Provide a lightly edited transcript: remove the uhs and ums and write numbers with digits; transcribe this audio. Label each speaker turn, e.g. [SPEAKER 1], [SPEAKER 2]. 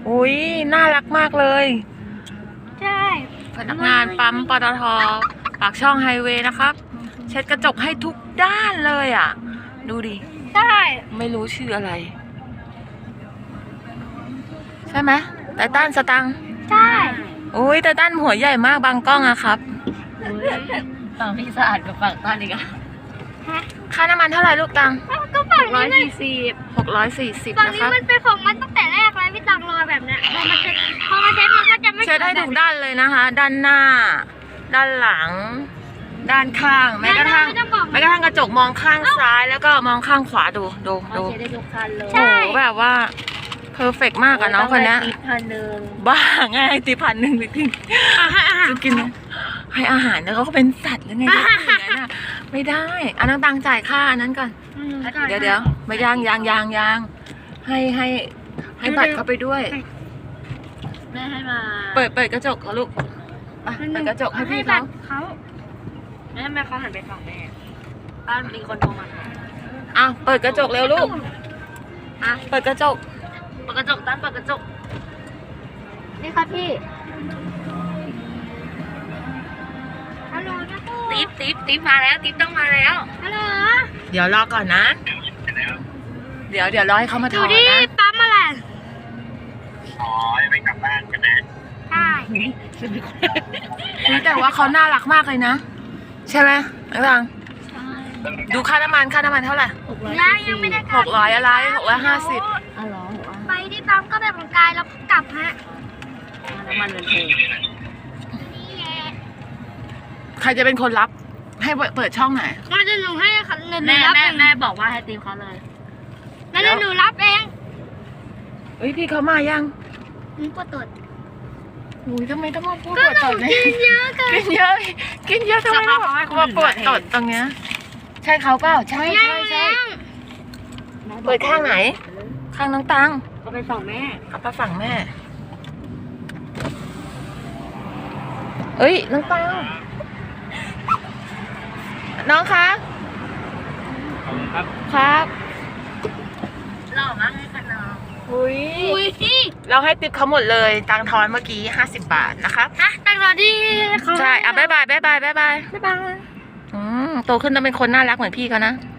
[SPEAKER 1] อุ้ยน่ารักมากเลย
[SPEAKER 2] ใช่
[SPEAKER 1] พนักงานปั๊มปตท.ปากช่องไฮเวย์นะครับเช็ดกระจกให้ทุกด้านเลยอ่ะดูดิ
[SPEAKER 2] ใช่
[SPEAKER 1] ไม่รู้ชื่ออะไรใช่ไหมไททันสตังค์
[SPEAKER 2] ใช่
[SPEAKER 1] อุ้ยไททันหัวใหญ่มากบางกล้องอะครับ
[SPEAKER 3] ฝั่งพี่สะอาดกับฝั่งต้านอีกอะ
[SPEAKER 1] ค่าน้ำมันเท่าไหร่ลูกตัง
[SPEAKER 2] ก็ฝั่งนี้มัน
[SPEAKER 1] 640
[SPEAKER 2] ฝั่ง
[SPEAKER 1] นะ
[SPEAKER 2] นี้
[SPEAKER 1] ครับ
[SPEAKER 2] มันเป็นของมันตั้งแต่แรกแล้วพี่ตังรอแบบเนี้ยพอมาเช็ดมันก็จะไม่
[SPEAKER 1] เช็ดให้ทุกด้านเลยนะคะ ด้านหน้า ด้านหลัง ด้านข้างแม้กระทั่งกระจกมองข้างซ้ายแล้วก็มองข้างขวาดู
[SPEAKER 3] เช็ดได้ทุกคันเลย
[SPEAKER 1] โอ้โหแบบว่าเพอร์เฟกมากอะน้องคนนี้
[SPEAKER 3] 1,000
[SPEAKER 1] บ้าง่ายตี1,000จริงจะกินให้อาหารแล้วเขาก็เป็นสัตว์หรือไงอย่างนั้นอะไม่ได้อันนั้นตังจ่ายค่าอันนั้นก่อนเดี๋ยวไม่ยางให้บัตรเขาไปด้วย
[SPEAKER 3] แม่ให้มา
[SPEAKER 1] เปิดกระจกเขาลูกเปิดกระจกให้พี่เขา
[SPEAKER 3] แม่เขาหันไปฝั่งแม่บ้านมีคนโทรมา
[SPEAKER 1] เปิดกระจกเร็วลูกเปิดกระจก
[SPEAKER 3] ตั้นเปิดกระจก
[SPEAKER 2] นี่ค่ะพี่ฮัลโหลนะครู
[SPEAKER 3] ติ๊บมาแล้วติ๊บต้องมาแล้ว
[SPEAKER 2] ฮัลโหล
[SPEAKER 1] เดี๋ยวรอก่อนนะ เดี๋ยวรอให้เขามาถ
[SPEAKER 2] อยู่
[SPEAKER 1] อน
[SPEAKER 2] ที่
[SPEAKER 1] นะ
[SPEAKER 2] ปั๊มอะไร
[SPEAKER 4] ยังไม่กลับบ้านกันนะ
[SPEAKER 2] ใช่
[SPEAKER 1] แต่ว่าเขาน่ารักมากเลยนะใช่ไหมไอ้ฟังดูค่าน้ำมันเท่าไหร่
[SPEAKER 2] ยังไม่ได้
[SPEAKER 1] 600อะไร650
[SPEAKER 3] อ๋อเหรอ
[SPEAKER 2] ไปที่ปั๊มก็แบบของกายแล้วกลับฮะ
[SPEAKER 3] น้ำมันเป็นเพลง
[SPEAKER 2] นี่แหละ
[SPEAKER 1] ใครจะเป็นคนรับให้เปิดช่องไหน
[SPEAKER 2] งั้นเดี๋ยวหนูให้ค่ะเงินหนู
[SPEAKER 3] แม่
[SPEAKER 2] รับเอง
[SPEAKER 3] แม่บอกว่าให้ติ๊บเขาเลย
[SPEAKER 2] งั้นเดี๋ยวหนูรับเอง
[SPEAKER 1] เฮ้ยพี่เขามายัง
[SPEAKER 2] หนูปวดตด
[SPEAKER 1] อุ้ยทำไมต้องมาพูด
[SPEAKER 2] ก็
[SPEAKER 1] ปวด
[SPEAKER 2] หนู
[SPEAKER 1] ตดเนี่ย
[SPEAKER 2] กินเยอะเกิน
[SPEAKER 1] กินเยอะทำไมมาปวดตดตรงเนี้ยใช่เขาเปล่าใช่เปิดข้างไหน ข้างน้องตัง
[SPEAKER 3] เขาไปฝั่งแม่
[SPEAKER 1] เอาไปฝั่งแม่เอ้ยน้องตังน้องคะครับ
[SPEAKER 3] หล่อมากเลยค่ะน้อง
[SPEAKER 1] อุ้ย
[SPEAKER 2] อุ้ยพี่
[SPEAKER 1] เราให้ติปเขาหมดเลยตังทอนเมื่อกี้50 บาทนะครับ
[SPEAKER 2] ตังรอที่เขา
[SPEAKER 1] ใช่บ๊ายบาย
[SPEAKER 2] บ๊ายบาย
[SPEAKER 1] โตขึ้นต้องเป็นคนน่ารักเหมือนพี่เขานะ